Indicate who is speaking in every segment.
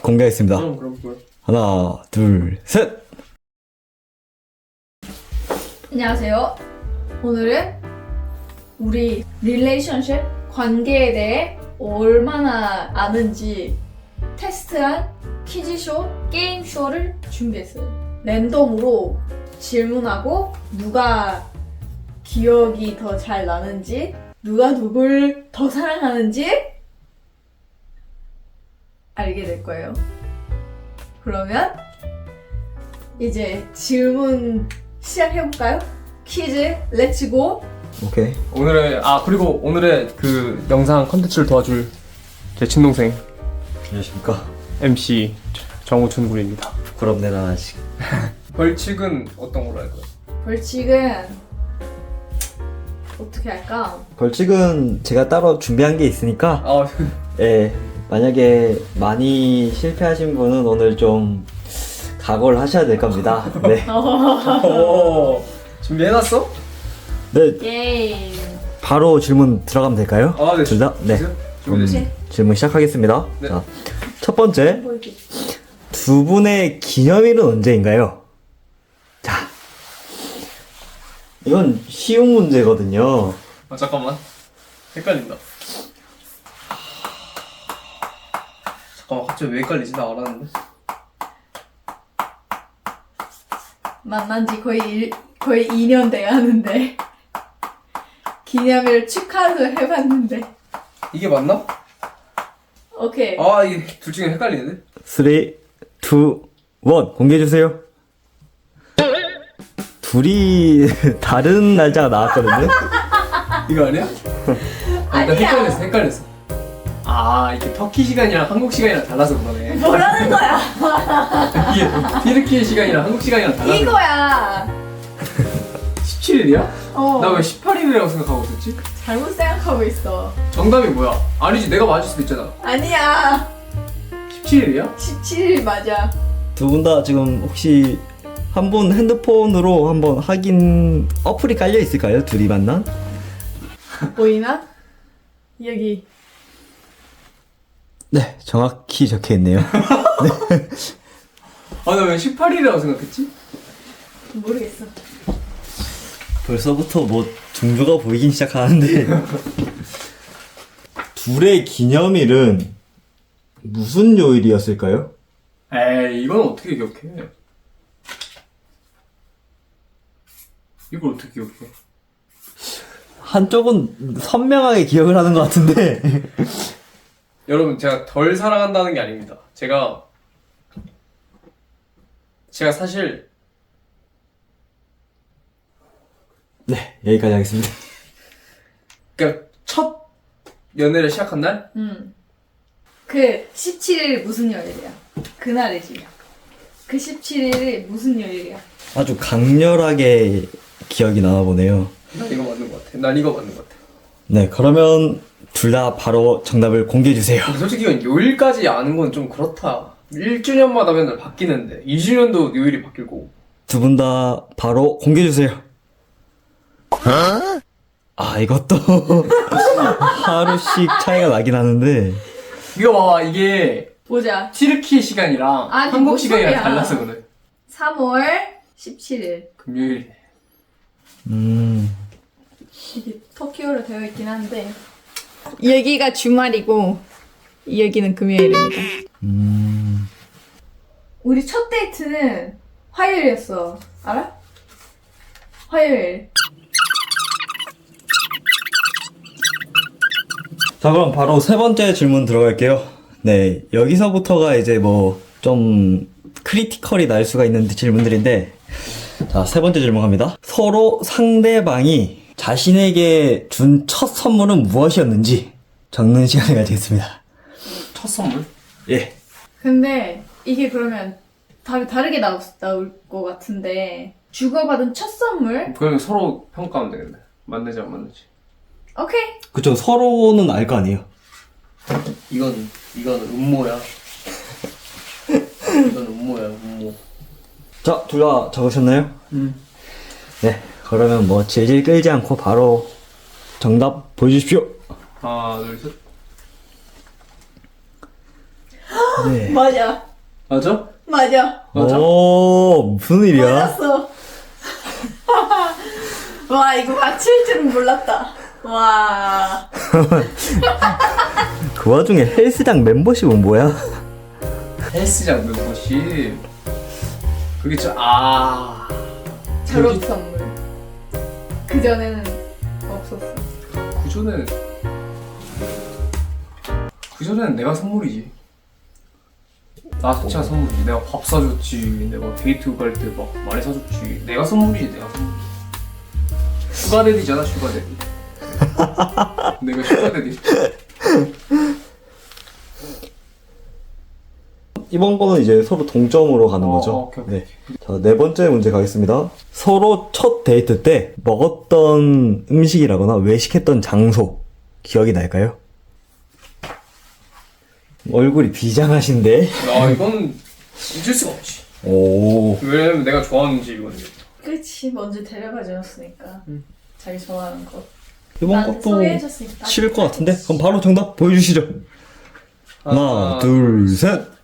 Speaker 1: 공개하겠습니다.
Speaker 2: 그럼.
Speaker 1: 하나, 둘, 셋!
Speaker 3: 안녕하세요. 오늘은 우리 릴레이션십 관계에 대해 얼마나 아는지 테스트한 퀴즈쇼, 게임쇼를 준비했어요. 랜덤으로 질문하고 누가 기억이 더 잘 나는지, 누가 누굴 더 사랑하는지 알게 될 거예요. 그러면 이제 질문 시작해볼까요? 퀴즈 렛츠고.
Speaker 1: 오케이.
Speaker 2: 그리고 오늘의 그 영상 컨텐츠를 도와줄 제 친동생
Speaker 1: 안녕하십니까.
Speaker 2: MC 정우춘 군입니다.
Speaker 1: 부끄럽네, 나 아직.
Speaker 2: 벌칙은 어떤 걸로 할까요?
Speaker 3: 벌칙은 어떻게 할까?
Speaker 1: 벌칙은 제가 따로 준비한 게 있으니까, 예, 만약에 많이 실패하신 분은 오늘 좀 각오를 하셔야 될 겁니다. 네.
Speaker 2: 오, 준비해놨어?
Speaker 1: 네,
Speaker 3: 게임.
Speaker 1: 바로 질문 들어가면 될까요?
Speaker 2: 네.
Speaker 1: 둘 다? 네.
Speaker 2: 준비됐어요?
Speaker 1: 질문 시작하겠습니다.
Speaker 2: 네.
Speaker 1: 자, 첫 번째.
Speaker 3: 보여줘.
Speaker 1: 두 분의 기념일은 언제인가요? 자, 이건 쉬운 문제거든요.
Speaker 2: 잠깐만. 헷갈린다. 잠깐만, 갑자기 왜 헷갈리지? 나 알았는데.
Speaker 3: 만난 지 거의 2년 돼야 하는데 기념일 축하도 해봤는데.
Speaker 2: 이게 맞나?
Speaker 3: 오케이.
Speaker 2: 이게 둘 중에 헷갈리는데?
Speaker 1: 3, 2, 1 공개해주세요. 둘이 다른 날짜가 나왔거든요.
Speaker 2: 이거 아니야?
Speaker 3: 아니야.
Speaker 2: 헷갈렸어. 이게 터키 시간이랑 한국 시간이랑 달라서 그러네.
Speaker 3: 뭐라는 거야?
Speaker 2: 이게 튀르키예 시간이랑 한국 시간이랑 달라서.
Speaker 3: 이거야.
Speaker 2: 17일이야?
Speaker 3: 어.
Speaker 2: 나 왜 18일이라고 생각하고 있었지?
Speaker 3: 잘못 생각하고 있어.
Speaker 2: 정답이 뭐야? 아니지, 내가 맞을 수도 있잖아.
Speaker 3: 아니야.
Speaker 2: 17일이야?
Speaker 3: 17일 맞아.
Speaker 1: 두 분 다 지금 혹시 한 분 핸드폰으로 한번 확인 어플이 깔려 있을까요? 둘이 만난?
Speaker 3: 보이나? 여기.
Speaker 1: 네, 정확히 적혀 있네요.
Speaker 2: 나 왜 18일이라고 생각했지?
Speaker 3: 모르겠어.
Speaker 1: 벌써부터 뭐 종교가 보이긴 시작하는데 둘의 기념일은 무슨 요일이었을까요?
Speaker 2: 에이, 이건 어떻게 기억해? 이걸 어떻게 기억해?
Speaker 1: 한쪽은 선명하게 기억을 하는 것 같은데
Speaker 2: 여러분, 제가 덜 사랑한다는 게 아닙니다. 제가 사실
Speaker 1: 네, 여기까지 하겠습니다.
Speaker 2: 그러니까 첫 연애를 시작한 날?
Speaker 3: 그 17일 무슨 요일이야? 그날이지. 그 17일이 무슨 요일이야?
Speaker 1: 아주 강렬하게 기억이 나나 보네요.
Speaker 2: 난 이거 맞는 것 같아. 난 이거 맞는 것 같아.
Speaker 1: 네, 그러면 둘 다 바로 정답을 공개해 주세요.
Speaker 2: 근데 솔직히 이건 요일까지 아는 건 좀 그렇다. 1주년마다 맨날 바뀌는데 2주년도 요일이 바뀔 거고.
Speaker 1: 두 분 다 바로 공개해 주세요. 이것도 하루씩 차이가 나긴 하는데
Speaker 2: 이거 봐봐, 이게
Speaker 3: 보자.
Speaker 2: 튀르키예 시간이랑
Speaker 3: 아니,
Speaker 2: 한국
Speaker 3: 뭔
Speaker 2: 시간이랑
Speaker 3: 소리야.
Speaker 2: 달라서 그래.
Speaker 3: 3월 17일.
Speaker 2: 금요일이네.
Speaker 3: 이게 터키어로 되어 있긴 한데 여기가 주말이고 여기는 금요일입니다. 우리 첫 데이트는 화요일이었어. 알아? 화요일.
Speaker 1: 자, 그럼 바로 세 번째 질문 들어갈게요. 네, 여기서부터가 이제 뭐 좀 크리티컬이 날 수가 있는 질문들인데, 자, 세 번째 질문 갑니다. 서로 상대방이 자신에게 준 첫 선물은 무엇이었는지 적는 시간을 가지겠습니다.
Speaker 2: 첫 선물?
Speaker 1: 예.
Speaker 3: 근데 이게 그러면 다르게 나올 것 같은데 주고받은 첫 선물?
Speaker 2: 그러면 서로 평가하면 되겠네. 맞는지 안 맞는지.
Speaker 3: 오케이.
Speaker 1: 그쵸, 서로는 알 거 아니에요.
Speaker 2: 이건 음모야. 이건 음모야, 음모.
Speaker 1: 자, 둘 다 적으셨나요? 네, 그러면 뭐 질질 끌지 않고 바로 정답 보여주십시오.
Speaker 2: 하나, 둘, 셋.
Speaker 1: 네.
Speaker 3: 맞아.
Speaker 2: 맞아?
Speaker 3: 맞아.
Speaker 2: 맞아?
Speaker 1: 오, 무슨 일이야?
Speaker 3: 맞았어. 와, 이거 맞힐 줄은 몰랐다. 와.
Speaker 1: 그 와중에 헬스장 멤버십은 뭐야?
Speaker 2: 헬스장 멤버십. 그게
Speaker 3: 졸업 선물. 그전에는 없었어.
Speaker 2: 그전에는 내가 선물이지. 나 자체가 선물이지. 내가 밥 사줬지. 내가 데이트 갈 때 막 많이 사줬지. 내가 선물이지, 내가 선물. 슈가데디잖아, 슈가데디. 내가 슈가데디.
Speaker 1: 이번 거는 이제 서로 동점으로 가는 거죠.
Speaker 2: 오케이, 오케이.
Speaker 1: 네. 자, 네 번째 문제 가겠습니다. 서로 첫 데이트 때 먹었던 음식이라거나 외식했던 장소 기억이 날까요? 얼굴이 비장하신데?
Speaker 2: 이건 잊을 수가 없지.
Speaker 1: 오.
Speaker 2: 왜냐면 내가 좋아하는 집이거든.
Speaker 3: 그치, 먼저 데려가 주었으니까. 자기 좋아하는 거.
Speaker 1: 이번
Speaker 3: 난
Speaker 1: 것도
Speaker 3: 소개해줬으니까.
Speaker 1: 싫을 것 같은데? 그럼 바로 정답 보여주시죠. 하나, 둘, 셋.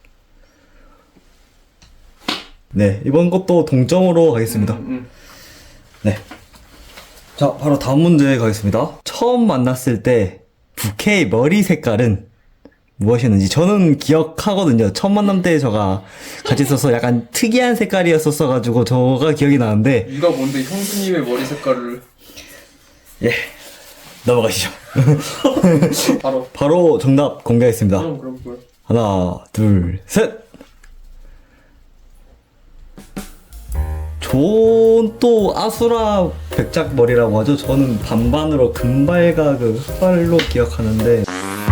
Speaker 1: 네, 이번 것도 동점으로 가겠습니다. 네. 자, 바로 다음 문제 가겠습니다. 처음 만났을 때 부케의 머리 색깔은 무엇이었는지 저는 기억하거든요. 첫 만남 때 저가 같이 있어서 약간 특이한 색깔이었었어가지고 저가 기억이 나는데
Speaker 2: 네가 뭔데 형수님의 머리 색깔을
Speaker 1: 예, 넘어가시죠.
Speaker 2: 바로
Speaker 1: 정답 공개하겠습니다.
Speaker 2: 그럼
Speaker 1: 하나, 둘, 셋. 또 아수라 백작 머리라고 하죠. 저는 반반으로 금발과 그 흑발로 기억하는데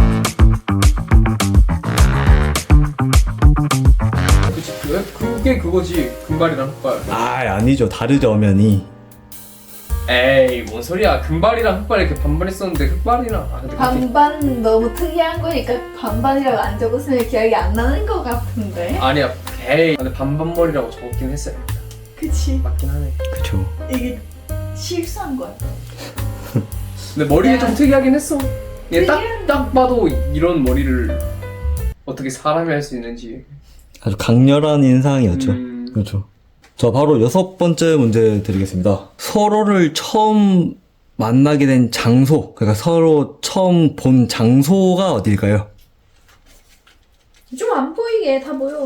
Speaker 2: 그치 그게 그거지. 금발이랑 흑발.
Speaker 1: 아니죠. 다르죠 엄연히.
Speaker 2: 에이 뭔 소리야. 금발이랑 흑발 이렇게 반반 있었는데 흑발이랑 근데
Speaker 3: 반반 너무 특이한 거니까 반반이라고 안 적었으면 기억이 안 나는 것 같은데.
Speaker 2: 아니야. 에이 근데 반반 머리라고 적었긴 했어요.
Speaker 3: 그치.
Speaker 2: 맞긴 하네.
Speaker 1: 그쵸.
Speaker 3: 이게 실수한 거야.
Speaker 2: 근데 머리가 좀 특이하긴 했어. 얘
Speaker 3: 특이한-
Speaker 2: 딱 봐도 이런 머리를 어떻게 사람이 할 수 있는지.
Speaker 1: 아주 강렬한 인상이었죠.
Speaker 2: 음.
Speaker 1: 그렇죠. 자, 바로 여섯 번째 문제 드리겠습니다. 서로를 처음 만나게 된 장소, 그러니까 서로 처음 본 장소가 어딜까요?
Speaker 3: 좀 안 보이게 다 보여.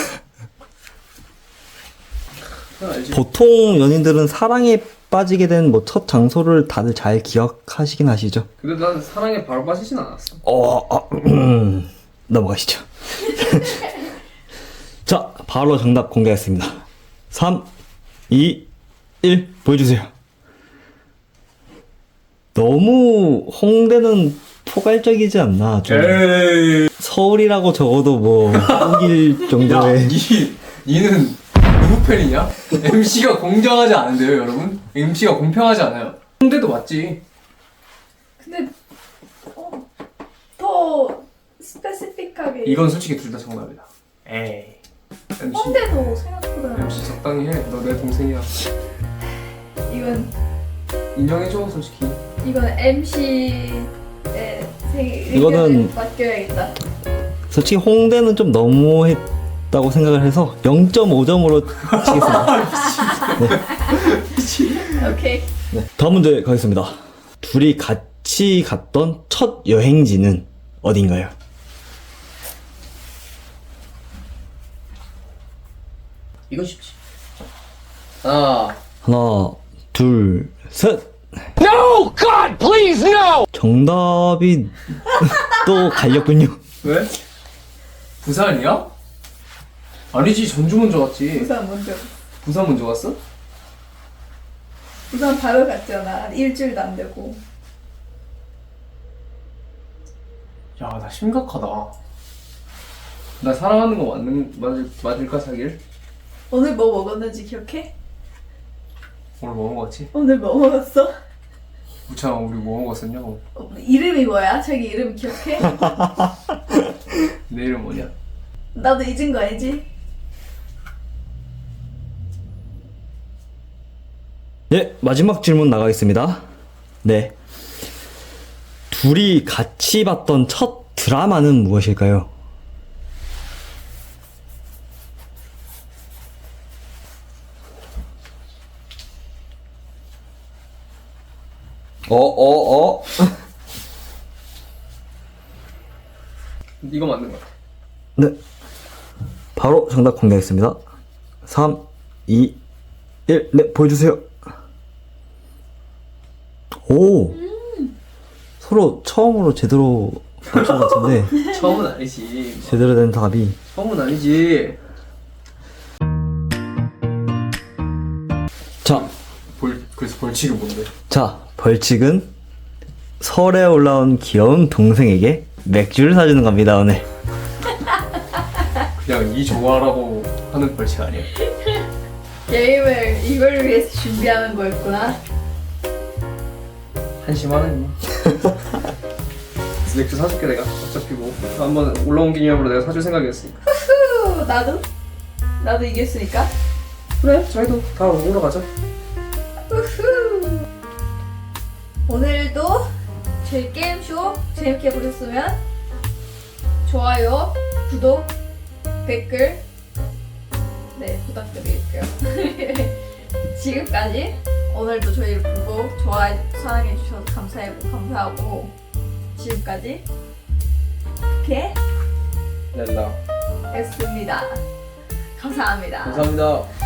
Speaker 2: 그건 알지.
Speaker 1: 보통 연인들은 사랑에 빠지게 된 뭐 첫 장소를 다들 잘 기억하시긴 하시죠?
Speaker 2: 근데 난 사랑에 바로 빠지진 않았어.
Speaker 1: 넘어가시죠. 자, 바로 정답 공개하겠습니다. 3, 2, 1, 보여주세요. 너무 홍대는 포괄적이지 않나? 좀
Speaker 2: 에이.
Speaker 1: 서울이라고 적어도 뭐 우길
Speaker 2: 야,
Speaker 1: 정도의
Speaker 2: 니는 누구 팬이냐? MC가 공정하지 않은데요, 여러분? MC가 공평하지 않아요. 홍대도 맞지.
Speaker 3: 근데 더 스페시픽하게.
Speaker 2: 이건 솔직히 둘 다 정답이다. 에이. MC,
Speaker 3: 홍대도 생각보다.
Speaker 2: MC 적당히 해. 너 내 동생이야.
Speaker 3: 이건
Speaker 2: 인정해줘, 솔직히.
Speaker 3: MC의
Speaker 1: 이거는-
Speaker 3: 맡겨야겠다.
Speaker 1: 솔직히 홍대는 좀 너무했다고 생각을 해서 0.5점으로 치겠습니다.
Speaker 3: 오케이.
Speaker 1: 네, 다음 문제 가겠습니다. 둘이 같이 갔던 첫 여행지는 어딘가요?
Speaker 2: 이건 쉽지. 하나.
Speaker 1: 하나, 둘, 셋.
Speaker 4: No! God, please, no!
Speaker 1: 정답이 또 갈렸군요.
Speaker 2: 왜? 부산이야? 아니지, 전주 먼저 갔지. 부산 먼저 갔어?
Speaker 3: 부산 바로 갔잖아. 일주일도 안 되고.
Speaker 2: 야, 나 심각하다. 나 사랑하는 거 맞을까, 사귈?
Speaker 3: 오늘 뭐 먹었는지 기억해?
Speaker 2: 오늘 뭐 먹었지?
Speaker 3: 오늘 뭐 먹었어?
Speaker 2: 우창아, 우리 뭐 먹었었냐고.
Speaker 3: 이름이 뭐야? 자기 이름 기억해?
Speaker 2: 내 이름 뭐냐?
Speaker 3: 나도 잊은 거 알지?
Speaker 1: 네, 마지막 질문 나가겠습니다. 네. 둘이 같이 봤던 첫 드라마는 무엇일까요?
Speaker 2: 이거 맞는 것 같아.
Speaker 1: 네. 바로 정답 공개하겠습니다. 3, 2, 1. 네, 보여주세요. 오! 서로 처음으로 제대로 맞춘 것 같은데,
Speaker 2: 처음은 아니지.
Speaker 1: 제대로 된 답이.
Speaker 2: 처음은 아니지.
Speaker 1: 자,
Speaker 2: 그래서 벌칙이 뭔데?
Speaker 1: 자, 벌칙은 설에 올라온 귀여운 동생에게 맥주를 사주는 겁니다, 오늘.
Speaker 2: 그냥 이 좋아라고 하는 벌칙 아니야?
Speaker 3: 게임을 이걸 위해서 준비하는 거였구나.
Speaker 2: 한심하네 뭐. 맥주 사줄게 내가. 어차피 뭐 한번 올라온 기념으로 내가 사줄 생각이었으니까.
Speaker 3: 후, 나도 이겼으니까.
Speaker 2: 그래, 저희도 다 먹으러 가자.
Speaker 3: 우후. 오늘도 저희 게임쇼 재밌게 보셨으면 좋아요, 구독, 댓글 네 부탁드릴게요. 지금까지 오늘도 저희를 보고 좋아해 사랑해 주셔서 감사하고 지금까지
Speaker 2: 렐라.
Speaker 3: 했습니다. 감사합니다.
Speaker 2: 감사합니다.